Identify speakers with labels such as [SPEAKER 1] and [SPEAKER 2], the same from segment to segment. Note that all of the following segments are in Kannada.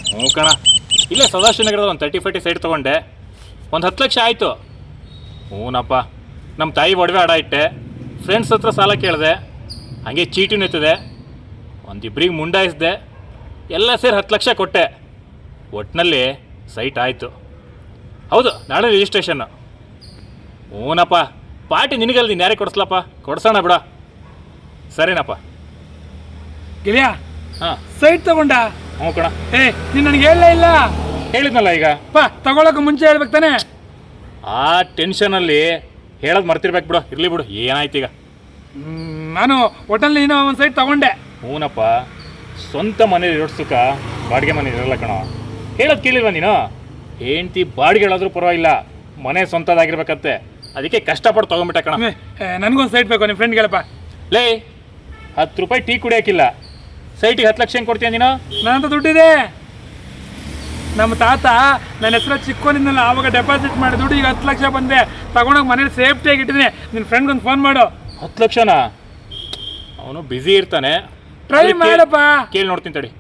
[SPEAKER 1] ಹ್ಞೂ ಕಣ, ಇಲ್ಲೇ ಸದಾಶಿವನಗರದ ಒಂದು 30-40 ಸೈಟ್ ತೊಗೊಂಡೆ. ಒಂದು 10 ಲಕ್ಷ ಆಯಿತು. ಹ್ಞೂನಪ್ಪ, ನಮ್ಮ ತಾಯಿ ಒಡವೆ ಅಡ ಇಟ್ಟೆ, ಫ್ರೆಂಡ್ಸ್ ಹತ್ರ ಸಾಲ ಕೇಳಿದೆ, ಹಾಗೆ ಚೀಟಿನೂ ಇರ್ತದೆ, ಒಂದಿಬ್ಬರಿಗೆ ಮುಂಡಾಯಿಸಿದೆ, ಎಲ್ಲ ಸೇರಿ 10 ಲಕ್ಷ ಕೊಟ್ಟೆ. ಒಟ್ಟಿನಲ್ಲಿ ಸೈಟ್ ಆಯಿತು. ಹೌದು, ನಾಳೆ ರಿಜಿಸ್ಟ್ರೇಷನ್ನು. ಹ್ಞೂನಪ್ಪ, ಪಾರ್ಟಿ ನಿನಗಲ್ದಿ ಯಾರೇ ಕೊಡಿಸ್ಲಪ್ಪ, ಕೊಡ್ಸೋಣ ಬಿಡ. ಸರಿನಪ್ಪ.
[SPEAKER 2] ಗೆಳೆಯ,
[SPEAKER 1] ಹಾಂ
[SPEAKER 2] ಸೈಟ್ ತಗೊಂಡ?
[SPEAKER 1] ಹ್ಞೂ ಕಣ.
[SPEAKER 2] ನೀನು ನನಗೆ ಹೇಳಲೇ ಇಲ್ಲ.
[SPEAKER 1] ಹೇಳಿದ್ನಲ್ಲ ಈಗ.
[SPEAKER 2] ತಗೊಳಕ್ಕೆ ಮುಂಚೆ ಹೇಳ್ಬೇಕು ತಾನೆ.
[SPEAKER 1] ಆ ಟೆನ್ಷನಲ್ಲಿ ಹೇಳೋದು ಮರ್ತಿರ್ಬೇಕು ಬಿಡು. ಇರಲಿ ಬಿಡು, ಏನಾಯ್ತು ಈಗ.
[SPEAKER 2] ನಾನು ಹೋಟೆಲ್ ಏನೋ ಒಂದು ಸೈಟ್ ತಗೊಂಡೆ.
[SPEAKER 1] ಹ್ಞೂನಪ್ಪ, ಸ್ವಂತ ಮನೇಲಿ ಇರೋ ಸುಖ ಬಾಡಿಗೆ ಮನೇಲಿ ಇರಲ್ಲ ಕಣೋ. ಹೇಳೋದು ಕೇಳಿಲ್ವ ನೀನು? ಹೆಂಡ್ತಿ ಬಾಡಿಗೆ ಹೇಳೋದ್ರೂ ಪರವಾಗಿಲ್ಲ, ಮನೆ ಸ್ವಂತದಾಗಿರ್ಬೇಕಂತೆ. ಅದಕ್ಕೆ ಕಷ್ಟಪಟ್ಟು ತೊಗೊಂಬಿಟ್ಟೆ ಕಣ.
[SPEAKER 2] ನನಗೊಂದು ಸೈಟ್ ಬೇಕು, ನಿಮ್ಮ ಫ್ರೆಂಡ್ ಹೇಳಪ್ಪ.
[SPEAKER 1] ಲೇ, 10 ರೂಪಾಯಿ ಟೀ ಕುಡಿಯೋಕ್ಕಿಲ್ಲ, ಸೈಟಿಗೆ 10 ಲಕ್ಷ ಹೆಂಗೆ ಕೊಡ್ತೀಯ ನೀನು?
[SPEAKER 2] ನನ್ನಂತ ದುಡ್ಡಿದೆ. ನಮ್ಮ ತಾತ ನನ್ನ ಹೆಸರು ಚಿಕ್ಕೋನಿಂದಲ್ಲ ಆವಾಗ ಡೆಪಾಸಿಟ್ ಮಾಡಿ ದುಡ್ಡು ಈಗ 10 ಲಕ್ಷ ಬಂದೆ. ತಗೊಂಡೋಗಿ ಮನೇಲಿ ಸೇಫ್ಟಿಯಾಗಿ ಇಟ್ಟಿದ್ದೀನಿ. ನಿನ್ನ ಫ್ರೆಂಡ್ಗೊಂದು ಫೋನ್ ಮಾಡು.
[SPEAKER 1] 10 ಲಕ್ಷನಾ? ಅವನು ಬ್ಯುಸಿ ಇರ್ತಾನೆ.
[SPEAKER 2] ಟ್ರೈ ಮಾಡಪ್ಪ.
[SPEAKER 1] ಕೇಳಿ ನೋಡ್ತೀನಿ ತಡಿ.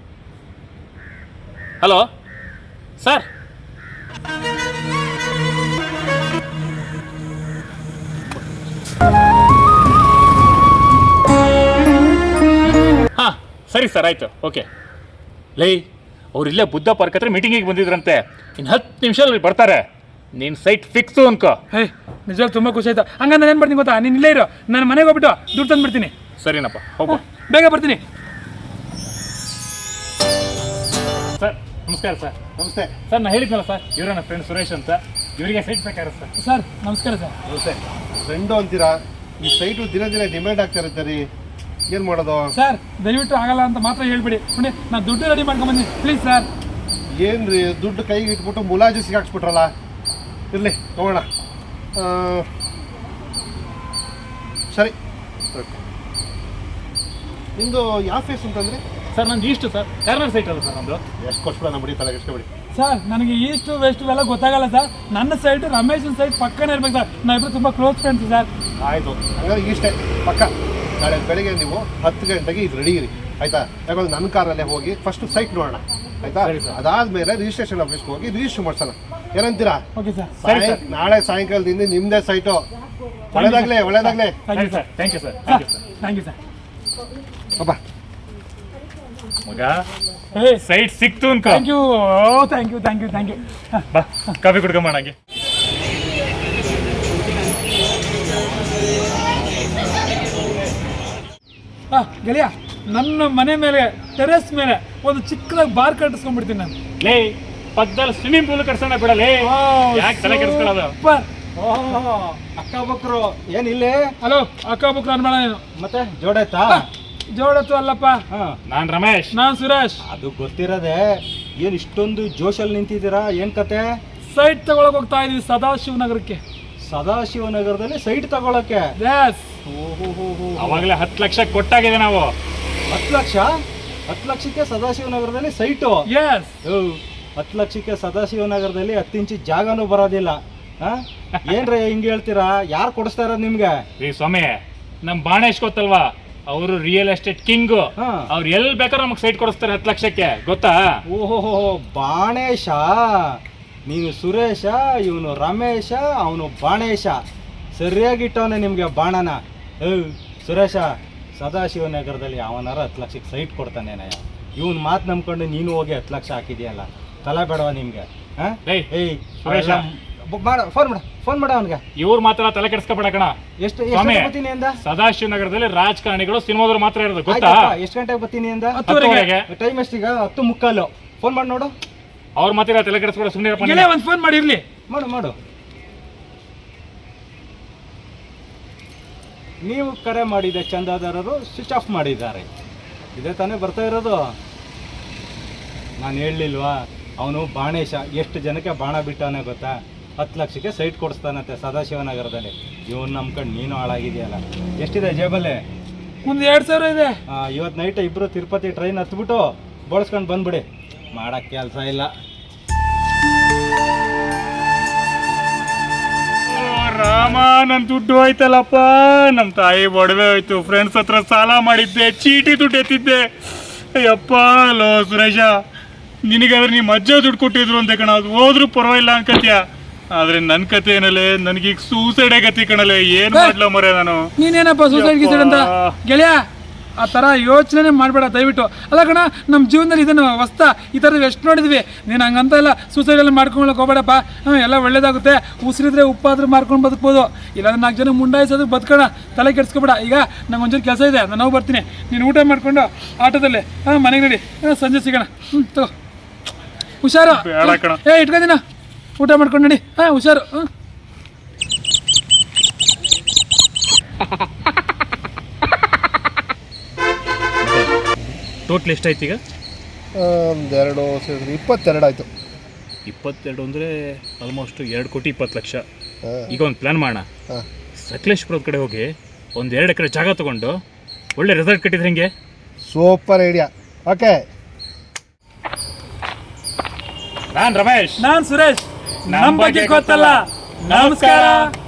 [SPEAKER 1] Hello sir. ಹಾಂ ಸರಿ ಸರ್, ಆಯಿತು, ಓಕೆ. ಲೈ, ಅವ್ರು ಇಲ್ಲೇ ಬುದ್ಧ ಪಾರ್ಕ್ ಹತ್ರ ಮೀಟಿಂಗಿಗೆ ಬಂದಿದ್ರಂತೆ. ಇನ್ನು 10 ನಿಮಿಷದಲ್ಲಿ ಬರ್ತಾರೆ. ನೀನು ಸೈಟ್ ಫಿಕ್ಸು ಅನ್ಕೋ.
[SPEAKER 2] ನಿಜವಾಗ್ಲೂ ತುಂಬ ಖುಷಿ ಆಯ್ತು. ಹಂಗಂದ್ರೆ ಏನು ಬರ್ತೀನಿ ಗೊತ್ತಾ, ನೀನು ಇಲ್ಲೇ ಇರೋ, ನಾನು ಮನೆಗೆ ಹೋಗ್ಬಿಟ್ಟು ದುಡ್ಡು ತಂದುಬಿಡ್ತೀನಿ.
[SPEAKER 1] ಸರಿನಪ್ಪ, ಹೋಗು,
[SPEAKER 2] ಬೇಗ ಬರ್ತೀನಿ.
[SPEAKER 1] ಸರ್ ನಮಸ್ಕಾರ. ಸರ್
[SPEAKER 3] ನಮಸ್ತೆ.
[SPEAKER 1] ಸರ್, ನಾನು ಹೇಳಿದ್ನಲ್ಲ ಸರ್, ಇವರ ನನ್ನ ಫ್ರೆಂಡ್ ಸುರೇಶ್ ಅಂತ, ಇವರಿಗೆ ಸೈಟ್ ಬೇಕಾದ್ರೆ ಸರ್.
[SPEAKER 2] ಸರ್ ನಮಸ್ಕಾರ ಸರ್.
[SPEAKER 3] ನಮಸ್ತೆ. ಫ್ರೆಂಡು ಅಂತೀರಾ? ಈ ಸೈಟು ದಿನ ದಿನ ಡಿಮ್ಯಾಂಡ್ ಆಗ್ತಾ ಇರುತ್ತೆ ರೀ, ಏನು ಮಾಡೋದು?
[SPEAKER 2] ಸರ್ ದಯವಿಟ್ಟು ಆಗಲ್ಲ ಅಂತ ಮಾತ್ರ ಹೇಳ್ಬಿಡಿ. ನೋಡಿ, ನಾನು ದುಡ್ಡು ರೆಡಿ ಮಾಡ್ಕೊಂಬಂದಿನಿ, ಪ್ಲೀಸ್ ಸರ್.
[SPEAKER 3] ಏನು ರೀ, ದುಡ್ಡು ಕೈಗೆ ಇಟ್ಬಿಟ್ಟು ಮುಲಾಜಿ ಸಿಗಾಕ್ಸ್ಬಿಟ್ರಲ್ಲ. ಇರಲಿ, ಹೋಗೋಣ. ಸರಿ, ನಿಮ್ಮದು ಯಾವ ಫೇಸ್ ಅಂತಂದರೆ?
[SPEAKER 1] ಸರ್ ನಂದು ಇಷ್ಟು ಸರ್, ಕಾರ್ನರ್ ಸೈಟ್ ಅಲ್ಲ ಸರ್ ನಮ್ಮದು.
[SPEAKER 3] ಎಷ್ಟು ಕೊಡ್ಸ್ಬಿಡ ನಮ್ಮ ತಲೆಗೆ ಎಷ್ಟುಬಿಡಿ.
[SPEAKER 2] ಸರ್ ನನಗೆ ಈಸ್ಟು ವೆಸ್ಟು ಎಲ್ಲ ಗೊತ್ತಾಗಲ್ಲ ಸರ್. ನನ್ನ ಸೈಟು ರಮೇಶನ್ ಸೈಟ್ ಪಕ್ಕನೇ ಇರ್ಬೇಕು ಸರ್. ನಾವಿಬ್ಬರು ತುಂಬ ಕ್ಲೋಸ್ ಫ್ರೆಂಡ್ಸ್ ಸರ್.
[SPEAKER 3] ಆಯಿತು, ಹಂಗಾದ್ರೆ ಇಷ್ಟೇ ಪಕ್ಕ. ನಾಳೆ ಬೆಳಿಗ್ಗೆ ನೀವು 10 ಗಂಟೆಗೆ ಇದು ರೆಡಿ ಇರಿ, ಆಯಿತಾ? ಯಾಕಂದ್ರೆ ನನ್ನ ಕಾರಲ್ಲೇ ಹೋಗಿ ಫಸ್ಟ್ ಸೈಟ್ ನೋಡೋಣ, ಆಯಿತಾ? ಅದಾದಮೇಲೆ ರಿಜಿಸ್ಟ್ರೇಷನ್ ಆಫೀಸ್ಗೆ ಹೋಗಿ ರಿಜಿಸ್ಟರ್ ಮಾಡ್ಸೋಣ. ಏನಂತೀರಾ?
[SPEAKER 2] Okay sir.
[SPEAKER 3] ನಾಳೆ ಸಾಯಂಕಾಲದಿಂದ ನಿಮ್ಮದೇ ಸೈಟು. ಒಳ್ಳೇದಾಗಲೇ, ಒಳ್ಳೇದಾಗಲೇ.
[SPEAKER 1] Thank you sir. Thank you sir.
[SPEAKER 2] Thank you sir.
[SPEAKER 3] ಅಬ್ಬಾ
[SPEAKER 1] ಮಗ, ಸೈಟ್ ಸಿಕ್ತು ಅನ್ಕೋ.
[SPEAKER 2] Thank you, thank you, thank you, thank you.
[SPEAKER 1] ಬಾ, ಕಾಫಿ ಕುಡ್ಕೊಂಬೋಣ ಹಂಗೆ.
[SPEAKER 2] ಗೆಳೆಯ, ನನ್ನ ಮನೆ ಮೇಲೆ ಟೆರೆಸ್ ಮೇಲೆ ಒಂದು ಚಿಕ್ಕದಾಗಿ ಬಾರ್ ಕಟ್ಟಿಸ್ಕೊಂಡ್ಬಿಡ್ತೀನಿ ನಾನು.
[SPEAKER 1] ಲೇ, ಪಕ್ಕದಲ್ಲಿ ಸ್ವಿಮ್ಮಿಂಗ್ ಪೂಲ್ ಕಟ್ಸೋಣ ಬಿಡಲೇ. ಯಾಕೆ ತಲೆ ಕೆಡಿಸ್ಕೊಳ್ಳೋದು?
[SPEAKER 4] ಅಕ್ಕ ಬಕ್ರು ಏನಿಲ್ಲೇ?
[SPEAKER 2] ಹಲೋ, ಅಕ್ಕ ಬುಕ್ ಅನ್ಬೇಡ ನೀನು.
[SPEAKER 4] ಮತ್ತೆ ಜೋಡಾಯ್ತಾ?
[SPEAKER 2] ಜೋಡತ್ತು ಅಲ್ಲಪ್ಪ.
[SPEAKER 1] ನಾನು ರಮೇಶ್.
[SPEAKER 2] ನಾನು ಸುರೇಶ್.
[SPEAKER 4] ಅದು ಗೊತ್ತಿರೋದೆ. ಏನ್ ಇಷ್ಟೊಂದು ಜೋಶಲ್ಲಿ ನಿಂತಿದ್ದೀರಾ, ಏನ್ ಕತೆ?
[SPEAKER 2] ಸೈಟ್ ತಗೊಳಕ್ ಹೋಗ್ತಾ ಇದೀವಿ ಸದಾಶಿವನಗರಕ್ಕೆ.
[SPEAKER 4] ಸದಾಶಿವನಗರದಲ್ಲಿ ಸೈಟ್ ತಗೊಳಕ್ಕೆ?
[SPEAKER 1] ಅವಾಗಲೇ 10 ಲಕ್ಷ ಕೊಟ್ಟಾಗಿದೆ ನಾವು.
[SPEAKER 4] 10 ಲಕ್ಷ? 10 ಲಕ್ಷಕ್ಕೆ ಸದಾಶಿವನಗರದಲ್ಲಿ ಸೈಟು? 10 ಲಕ್ಷಕ್ಕೆ ಸದಾಶಿವನಗರದಲ್ಲಿ 10 ಇಂಚು ಜಾಗನೂ ಬರೋದಿಲ್ಲ. ಏನ್ರಿ ಹಿಂಗೆ ಹೇಳ್ತೀರಾ? ಯಾರು ಕೊಡಿಸ್ತಾ ಇರೋದು ನಿಮ್ಗೆ?
[SPEAKER 1] ಈ ಸ್ವಾಮಿ, ನಮ್ ಬಾಣೇಶ್ ಗೊತ್ತಲ್ವಾ, ಅವರು ರಿಯಲ್ ಎಸ್ಟೇಟ್ ಕಿಂಗ್. ಅವ್ರು ಎಲ್ಲಿ ಬೇಕಾದ್ರೂ ನಮಗೆ ಸೈಟ್ ಕೊಡಿಸ್ತಾರೆ 10 ಲಕ್ಷಕ್ಕೆ, ಗೊತ್ತಾ?
[SPEAKER 4] ಓಹೋ, ಬಾಣೇಶ. ನೀನು ಸುರೇಶ, ಇವನು ರಮೇಶ, ಅವನು ಬಾಣೇಶ. ಸರಿಯಾಗಿಟ್ಟವನೆ ನಿಮಗೆ ಬಾಣನ. ಸುರೇಶ, ಸದಾಶಿವನಗರದಲ್ಲಿ ಅವನಾರ 10 ಲಕ್ಷಕ್ಕೆ ಸೈಟ್ ಕೊಡ್ತಾನೇನ? ಇವನ್ ಮಾತು ನಂಬ್ಕೊಂಡು ನೀನು ಹೋಗಿ 10 ಲಕ್ಷ ಹಾಕಿದ್ಯಲ್ಲ, ತಲೆ ಬೇಡವ ನಿಮ್ಗೆ? ಫೋನ್ ಮಾಡ ಅವನ್ಗೆ.
[SPEAKER 1] ಇವ್ರು ಮಾತ್ರ ತಲೆ ಕೆಡಿಸ್ಕೊಬೇಡ ಕಣ.
[SPEAKER 4] ಎಷ್ಟು ಬರ್ತೀನಿ ಅಂದ?
[SPEAKER 1] ಸದಾಶಿವನಗರದಲ್ಲಿ ರಾಜಕಾರಣಿಗಳು ಸಿನಿಮಾದವ್ರು ಮಾತ್ರ ಇರೋದು, ಗೊತ್ತಾ?
[SPEAKER 4] ಎಷ್ಟು ಗಂಟೆಗೆ ಬರ್ತೀನಿ ಅಂದ?
[SPEAKER 1] 10:30.
[SPEAKER 4] ಟೈಮ್ ಎಷ್ಟೀಗ? 10:45. ಫೋನ್ ಮಾಡಿ ನೋಡು.
[SPEAKER 1] ಅವ್ರ ಮಾತ್ರ ತಲೆ ಕೆಡಿಸ್ಕೊಡ, ಸುಮ್ಮನೆ
[SPEAKER 2] ಒಂದು ಫೋನ್ ಮಾಡಿರ್ಲಿ.
[SPEAKER 4] ಮಾಡು. ನೀವು ಕರೆ ಮಾಡಿದ ಚಂದಾದಾರರು ಸ್ವಿಚ್ ಆಫ್ ಮಾಡಿದ್ದಾರೆ. ಇದೇ ತಾನೇ ಬರ್ತಾ ಇರೋದು. ನಾನು ಹೇಳಲಿಲ್ವಾ, ಅವನು ಬಾಣೇಶ ಎಷ್ಟು ಜನಕ್ಕೆ ಬಾಣ ಬಿಟ್ಟವನೇ ಗೊತ್ತಾ? 10 ಲಕ್ಷಕ್ಕೆ ಸೈಟ್ ಕೊಡಿಸ್ತಾನಂತೆ ಸದಾಶಿವನಗರದಲ್ಲಿ. ಇವನು ನಂಬ್ಕೊಂಡು ನೀನು ಹಾಳಾಗಿದೆಯಲ್ಲ. ಎಷ್ಟಿದೆ ಜೇಬಲ್ಲಿ?
[SPEAKER 2] ಒಂದು 2,000 ಇದೆ.
[SPEAKER 4] ಇವತ್ತು ನೈಟ್ ಇಬ್ಬರು ತಿರುಪತಿ ಟ್ರೈನ್ ಹತ್ಬಿಟ್ಟು ಬೋಳ್ಸ್ಕೊಂಡು ಬಂದ್ಬಿಡಿ. ಮಾಡೋಕ್ಕೆ ಕೆಲಸ ಇಲ್ಲ.
[SPEAKER 1] ರಾಮ, ನನ್ನ ದುಡ್ಡು ಹೋಯ್ತಲ್ಲಪ್ಪ. ನಮ್ಮ ತಾಯಿ ಒಡವೆ ಹೋಯ್ತು, ಫ್ರೆಂಡ್ಸ್ ಹತ್ರ ಸಾಲ ಮಾಡಿದ್ದೆ, ಚೀಟಿ ದುಡ್ಡು ಎತ್ತಿದ್ದೆ. ಅಯ್ಯಪ್ಪ. ಲೋ ಸುರೇಶ, ನಿನಗಾದ್ರೆ ನಿಮ್ಮ ಅಜ್ಜ ದುಡ್ಡು ಕೊಟ್ಟಿದ್ರು ಅಂತ ಕಣ, ಅದು ಹೋದ್ರೂ ಪರವಾಗಿಲ್ಲ ಅನ್ಕತ್ಯ. ಆದ್ರೆ ನನ್ನ ಕತೆ ಏನಲ್ಲೇ, ನನಗೀಗ ಸೂಸೈಡೇ ಗತಿ ಕಣಲೆ. ಏನು ಮಾಡ್ಲ ಮರೆ ನಾನು.
[SPEAKER 2] ನೀನೇನಪ್ಪ ಸೂಸೈಡ್ ಗೀಸೈಡ್ ಅಂತ ಗೆಳೆಯ, ಆ ಥರ ಯೋಚನೆ ಮಾಡಬೇಡ ದಯವಿಟ್ಟು. ಅಲ್ಲ ಕಣ, ನಮ್ಮ ಜೀವನದಲ್ಲಿ ಇದನ್ನು ಹೊಸ್ತಾ ಈ ಥರದ್ದು ಎಷ್ಟು ನೋಡಿದ್ವಿ. ನೀನು ಹಂಗಂತ ಎಲ್ಲ ಸೂಸೈಡೆಲ್ಲ ಮಾಡ್ಕೊಳಕ್ಕೆ ಹೋಗ್ಬೇಡಪ್ಪ. ಎಲ್ಲ ಒಳ್ಳೇದಾಗುತ್ತೆ. ಉಸಿರಿದ್ರೆ ಉಪ್ಪಾದ್ರೂ ಮಾರ್ಕೊಂಡು ಬದುಕ್ಬೋದು, ಇಲ್ಲಾಂದ್ರೆ 4 ಜನ ಮುಂಡಾಯಿಸೋದು ಬದುಕೋಣ. ತಲೆ ಕೆಡ್ಸ್ಕೊಬೇಡ. ಈಗ ನಂಗೆ ಒಂಚೂರು ಕೆಲಸ ಇದೆ, ನಾನು ಹೋಗಿ ಬರ್ತೀನಿ. ನೀನು ಊಟ ಮಾಡಿಕೊಂಡು ಆಟೋದಲ್ಲಿ ಮನೆಗೆ ನಡಿ, ಸಂಜೆ ಸಿಗೋಣ. ತಗೋ, ಹುಷಾರು. ಇಟ್ಕೊಂಡಿನ, ಊಟ ಮಾಡ್ಕೊಂಡು ನಡಿ. ಹುಷಾರು.
[SPEAKER 1] ಟೋಟ್ಲ್ ಎಷ್ಟಾಯ್ತು ಈಗ?
[SPEAKER 3] 2 ಸೇರಿದ್ರೆ 22 ಆಯಿತು.
[SPEAKER 1] 22 ಅಂದರೆ ಆಲ್ಮೋಸ್ಟ್ 2,20,00,000. ಈಗ ಒಂದು ಪ್ಲ್ಯಾನ್ ಮಾಡೋಣ. ಸಕಲೇಶ್ಪುರದ ಕಡೆ ಹೋಗಿ ಒಂದು 2 ಎಕರೆ ಜಾಗ ತೊಗೊಂಡು ಒಳ್ಳೆ ರೆಸಾರ್ಟ್ ಕಟ್ಟಿದ್ರೆ ಹೆಂಗೆ?
[SPEAKER 3] Super idea. ಓಕೆ.
[SPEAKER 1] ನಾನು ರಮೇಶ್.
[SPEAKER 2] ನಾನು ಸುರೇಶ್. ನಮ್ಮ ಬಗ್ಗೆ ಗೊತ್ತಲ್ಲ. ನಮಸ್ಕಾರ.